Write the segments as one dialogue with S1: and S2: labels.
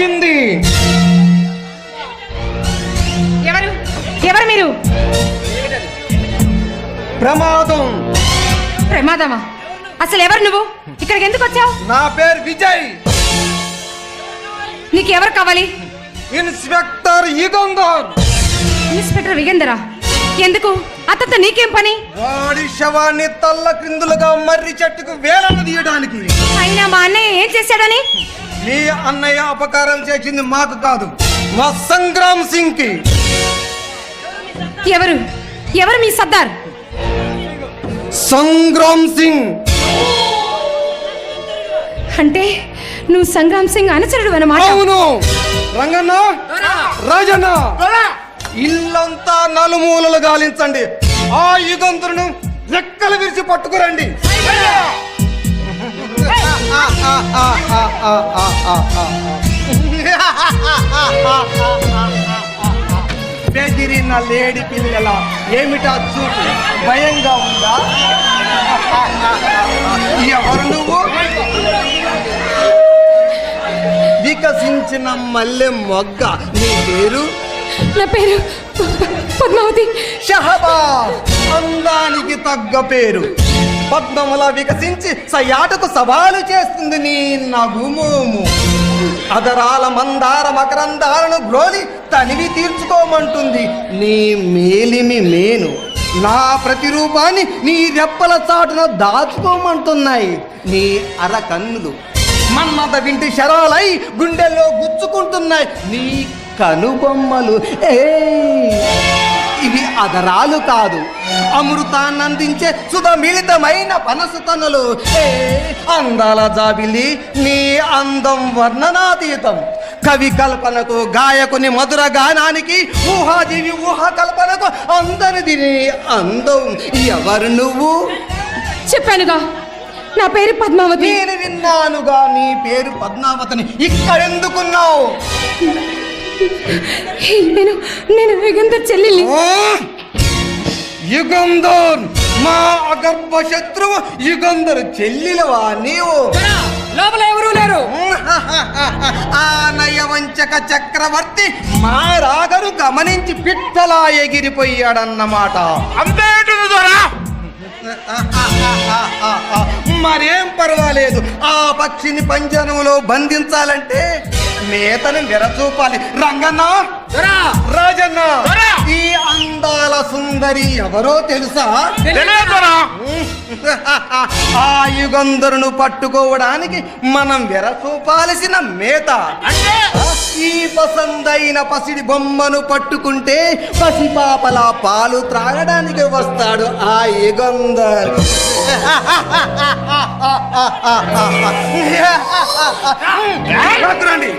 S1: వచ్చింది.
S2: ఎవరు మీరు?
S1: ప్రమాదం.
S2: ప్రమాదమా? అసలు ఎవరు నువ్వు? ఇక్కడికి ఎందుకు వచ్చావు?
S1: నా పేరు విజయ్.
S2: నీకు ఎవరు కావాలి?
S1: ఇన్స్పెక్టర్ యుగంధర్.
S2: ఇన్స్పెక్టర్ విగేందరా? ఎందుకు? అతనితో నీకేం పని?
S1: వాడి శవాన్ని తల్ల క్రిందులుగా మర్రి చెట్టుకు వేలాడ తీయడానికి.
S2: అయినా మా అన్నయ్య ఏం చేశాడని?
S1: మీ అన్నయ్య అపకారం చేసింది మాకు కాదు, మా సంగ్రామ్ సింగ్ కి.
S2: ఎవరు ఎవరు మీ సర్దార్?
S1: సంగ్రామ్ సింగ్.
S2: అంటే నువ్వు సంగ్రామ్ సింగ్ అనుచరుడు అన్నమాట.
S1: అవును. రంగన్న, రాజన్న, ఇల్లంతా నలుమూలలు గాలించండి. ఆ యుగంధరును రెక్కలు విరిచి పట్టుకురండి. బెదిరిన లేడి పిల్లల ఏమిటా చూపు? భయంగా ఉందా? ఎవరు నువ్వు? వికసించిన మల్లె మొగ్గ. నీ పేరు?
S2: నా పేరు పద్మావతి.
S1: షహబాజ్. అందానికి తగ్గ పేరు. పద్మములా వికసించి సయాటకు సవాలు చేస్తుంది నీ నగుమోము. అదరాల మందార మకరందాలను గ్రోలి తనివి తీర్చుకోమంటుంది నీ మేలిమి మేను. నా ప్రతిరూపాన్ని నీ రెప్పల చాటున దాచుకోమంటున్నాయి నీ అరకన్నులు. మన్మథ వింటి శరాలై గుండెల్లో గుచ్చుకుంటున్నాయి నీ కనుబొమ్మలు. ఇవి అదరాలు కాదు, అమృతాన్ని అందించే సుధమిళితమైన పనసు తనులు. అందాల జాబిలి, నీ అందం వర్ణనాతీతం. కవి కల్పనకు, గాయకుని మధుర గానానికి, ఊహాజీవి ఊహా కల్పనకు అందరిది నీ అందం. ఎవరు నువ్వు?
S2: చెప్పానుగా, నా పేరు పద్మావతి.
S1: నేను విన్నానుగా నీ పేరు పద్మావతిని. ఇక్కడెందుకున్నావు?
S2: నేను యుగంధర్ చెల్లెల్ని.
S1: యుగంధర్ మా అగర్భ శత్రువు. యుగంధర్ చెల్లెలవా నీవు?
S3: లోపల ఎవరూ లేరు.
S1: ఆ నయవంచక చక్రవర్తి మా రాగను గమనించి పిట్టలా ఎగిరిపోయాడన్నమాట.
S3: అంతేంటుంది దొరా?
S1: మరేం పర్వాలేదు. ఆ పక్షిని పంజరంలో బంధించాలంటే మేతను విరచూపాలి. రంగన్న, రాజన్న, ఈ అందాల సుందరి ఎవరో తెలుసా? ఆ యుగంధరును పట్టుకోవడానికి మనం విరచూపాల్సిన మేత. ఈ పసందైన పసిడి బొమ్మను పట్టుకుంటే పసిపాపల పాలు త్రాగడానికి వస్తాడు ఆ యుగంధర్. రండి.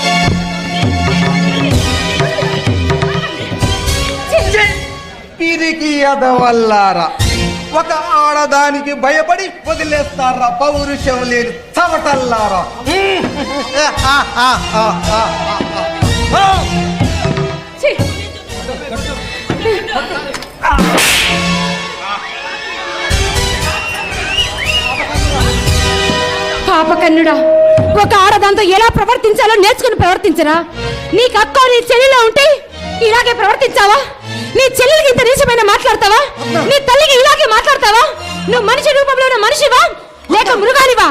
S1: పిరికి ఎదవల్లారా, ఒక ఆడదానికి భయపడి వదిలేస్తారా పౌరుషం లేని చవటల్లారా.
S2: పాపకన్నుడా, ఒక ఆడదాంతో ఎలా ప్రవర్తించాలో నేర్చుకుని ప్రవర్తించరా? నీకు అక్క నీ చెల్లిలో ఉంటే ఇలాగే ప్రవర్తించావా? నీ చెల్లెలకి ఇంత నీచమైన మాట్లాడతావా? నీ తల్లికి ఇలాగే మాట్లాడతావా? నువ్వు మనిషి రూపంలో ఉన్న మనిషివా లేక మృగానివా?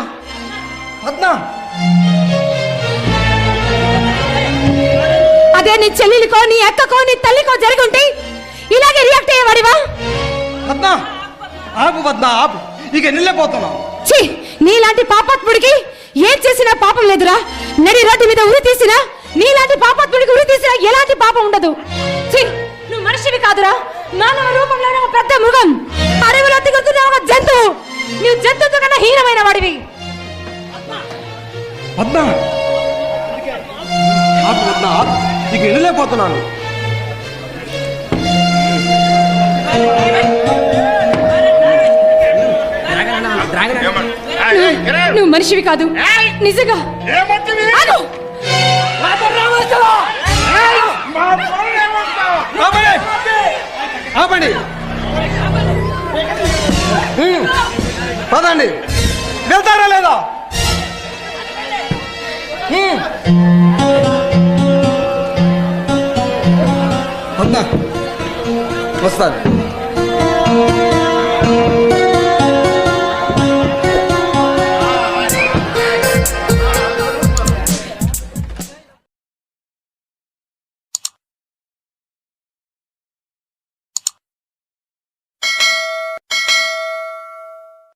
S2: అదే నీ చెల్లెలికో నీ అక్కకో నీ తల్లికో జరిగి ఉంటే ఇలాగే రియాక్ట్ అయ్యేవాడివా?
S1: ఆపు పద్మ, ఆపు. ఇక నిల్లపోతున్నావు.
S2: ఛీ, నీలాంటి పాపాత్ముడికి ఏం చేసినా పాపం లేదురా. నడి రోడ్డు మీద ఉరి తీసినా, నీలాంటి పాపాత్ముడికి ఉరి తీసినా ఎలాంటి పాపం ఉండదు. ఛీ, నువ్వు మనిషివి కాదురా, మానవ రూపంలో ఒక పెద్ద మృగం. అడవిలో తిరుగుతున్న ఒక జంతువు. నువ్వు జంతువుతో కన్నా హీనమైన వాడివి.
S1: పద్మ, ఆపు పద్మ, ఆపు. ఇక నిల్లపోతున్నాను.
S2: నువ్వు మనిషివి కాదు నిజంగా.
S1: ఆపండి, పదండి. వెళ్తారా లేదా? వస్తాను.